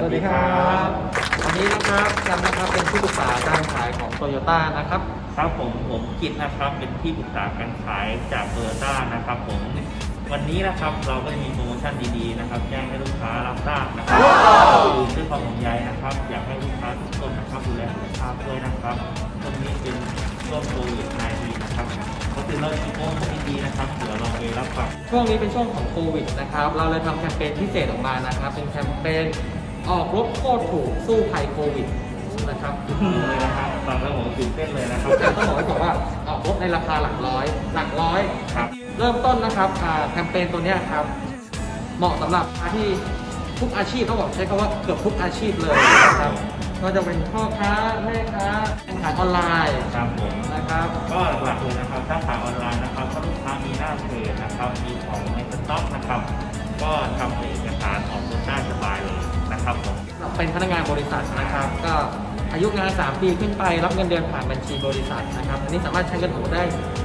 วัสดีครับวันนี้นะครับแชมป์นะครับเป็นที่ปรึกษาการขายของโตโยต้านะครับครับผมกิตนะครับเป็นที่ปรึกษาการขายจากโตโยต้านะครับผมวันนี้นะครับเราก็จะมีโปรโมชั่นดีๆนะครับแจ้งให้ลูกค้ารับทราบนะครับด้วยความห่วงใยนะครับอยากให้ลูกค้าทุกคนนะครับดูแลสุขภาพด้วยนะครับช่วงนี้เป็นช่วงโควิด-19 นะครับก็คือเรามีโปรโมชั่นดีๆนะครับเดี๋ยวเราไปรับฟังช่วงนี้เป็นช่วงของโควิดนะครับเราเลยทำแคมเปญพิเศษออกมานะครับเป็นแคมเปญออกรถโคตรถูกสู้ภัยโควิดนะครับเลยนะครับฟังแล้วผมตื่นเต้นเลยนะครับต้องบอกไว้ก่อนว่าออกรถในราคาหลักร้อยครับเริ่มต้นนะครับแคมเปญตัวนี้ครับเหมาะสำหรับที่ทุกอาชีพต้องบอกใช้คำว่าเกือบทุกอาชีพเลยนะครับก็จะเป็นพ่อค้าแม่ค้าขายออนไลน์ครับผมนะครับก็หลักๆเลยนะครับถ้าขายออนไลน์นะครับถ้าลูกค้ามีหน้าเพจนะครับมีของในสต็อกนะครับก็ทำเอกสารออกรถได้สบายเลยนะครับผมเป็นพนักงานบริษัทนะครับก็อายุงาน3 ปีขึ้นไปรับเงินเดือนผ่านบัญชีบริษัทนะครับอันนี้สามารถใช้เงินโอนได้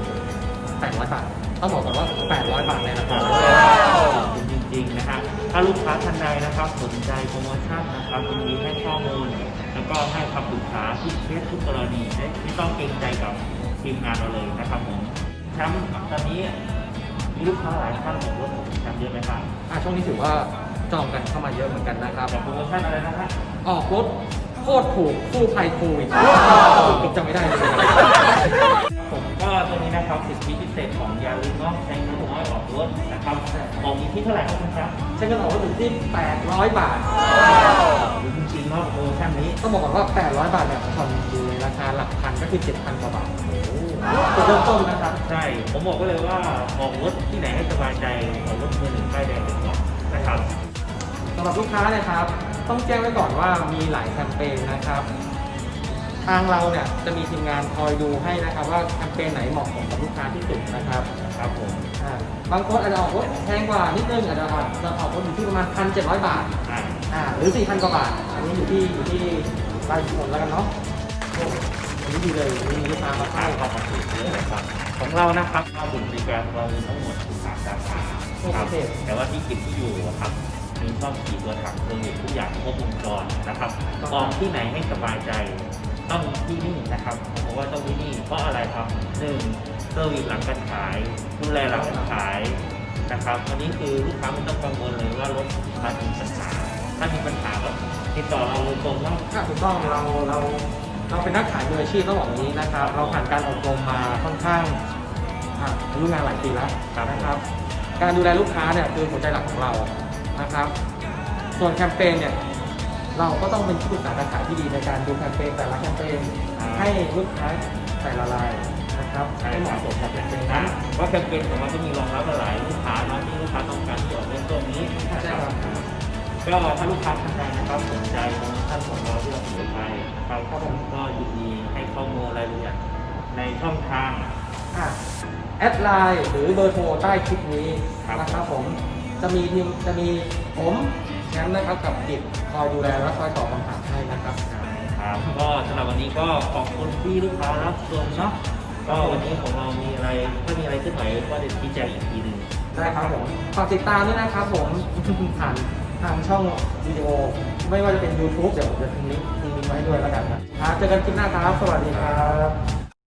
800 บาทต้องบอกก่อนว่า800 บาทเลยนะครับจริงๆนะครับถ้าลูกค้าท่านใดนะครับสนใจโปรโมชั่นนะครับยินดีให้ข้อมูลแล้วก็ให้คำปรึกษาทุกเคสทุกกรณีไม่ต้องเกรงใจกับทีมงานเราเลยนะครับผมแชมป์ตอนนี้มีลูกค้าหลายท่านของรถผมแชมป์เยอะไหมครับช่วงนี้ถือว่าจองกันเข้ามาเยอะเหมือนกันนะครับโปรโมชั่นอะไรนะครับออกรถโคตรถูกสู้ภัยโควิดจำไม่ได้เลยผมก็ตัวนี้นะครับสิทธิพิเศษของยาลิเนาะใช้เงินน้อยออกรถนะครับออกที่เท่าไหร่ครับคุณครับใช้เงินออกรถอยู่ที่800 บาทจริงๆเนาะโปรโมชั่นนี้ต้องบอกก่อนว่า800 บาทเนี่ยผ่อนอยู่ในราคาหลักพันก็คือ 7,000 กว่าบาทตัวเริ่มต้นนะครับใช่ผมบอกก็เลยว่าออกรถที่ไหนให้สบายใจออกรถมือหนึ่งป้ายแดงเป็นของนะครับสำหรับลูกค้านะครับต้องแจ้งไว้ก่อนว่ามีหลายแคมเปญนะครับทางเราเนี่ยจะมีทีมงานคอยดูให้นะครับว่าแคมเปญไหนเหมาะสมกับลูกค้าที่สุดนะครับครับผมบางคนอาจจะออกรถแพงกว่านิดนึงอาจจะออกรถอยู่ที่ประมาณ 1,700 บาทหรือ 4,000 กว่าบาทอันนี้อยู่ที่รายคนแล้วกันเนาะอันนี้ดีเลยมีลูกค้ามาให้ความถูกเยอะเลยครับของเรานะครับเราบริการเราทั้งหมด13 สาขาครับแต่ว่าที่กิจที่อยู่ครับมีช่องขี่ตัวถังเซอร์วิสทุกอย่างครบวงจรนะครับออกที่ไหนให้สบายใจต้องที่นี่นะครับเพราะว่าต้องที่นี่เพราะอะไรครับ1เซอร์วิสหลังการขายดูแลหลังการขายนะครับวันนี้คือลูกค้าไม่ต้องกังวลเลยว่ารถมาถึงปัญหาถ้ามีปัญหาก็ติดต่อเราโดยตรงว่าถูกต้องเราเป็นนักขายมืออาชีพต้องบอกอย่างนี้นะครับเราผ่านการอบรมมาค่อนข้างอายุงานหลายปีแล้วนะครับการดูแลลูกค้าเนี่ยคือหัวใจหลักของเรานะครับส่วนแคมเปญเนี่ยเราก็ต้องเป็นที่ปรึกษาการขายที่ดีในการดูแคมเปญแต่ละแคมเปญให้ลูกค้าแต่ละรายนะครับให้เหมาะสมกับแคมเปญนั้นเพราะแคมเปญของเราก็มีรองรับหลายลูกค้าเนาะที่ลูกค้าต้องการที่ออกเรื่องตรงนี้นะครับก็ถ้าลูกค้าท่านใดนะครับสนใจโปรโมชั่นของเราที่เราเสนอไปนะครับก็ยินดีให้ข้อมูลรายละเอียดในช่องทางแอดไลน์หรือเบอร์โทรใต้คลิปนี้นะครับผมจะมีผมแชมป์นะครับกับกิจคอยดูแลและคอยตอบคำถามให้นะครับก็สำหรับวันนี้ก็ขอบคุณที่ลูกค้ารับชมเนาะก็วันนี้ของเรามีอะไรถ้ามีอะไรขึ้นไหวก็จะชี้แจงอีกทีหนึ่งได้ครับผมฝากติดตามด้วยนะครับผมผ่านทางช่องวิดีโอไม่ว่าจะเป็น YouTube เดี๋ยวผมจะทิ้งลิงก์ไว้ด้วยแล้วกันครับเจอกันคลิปหน้าครับสวัสดีครับ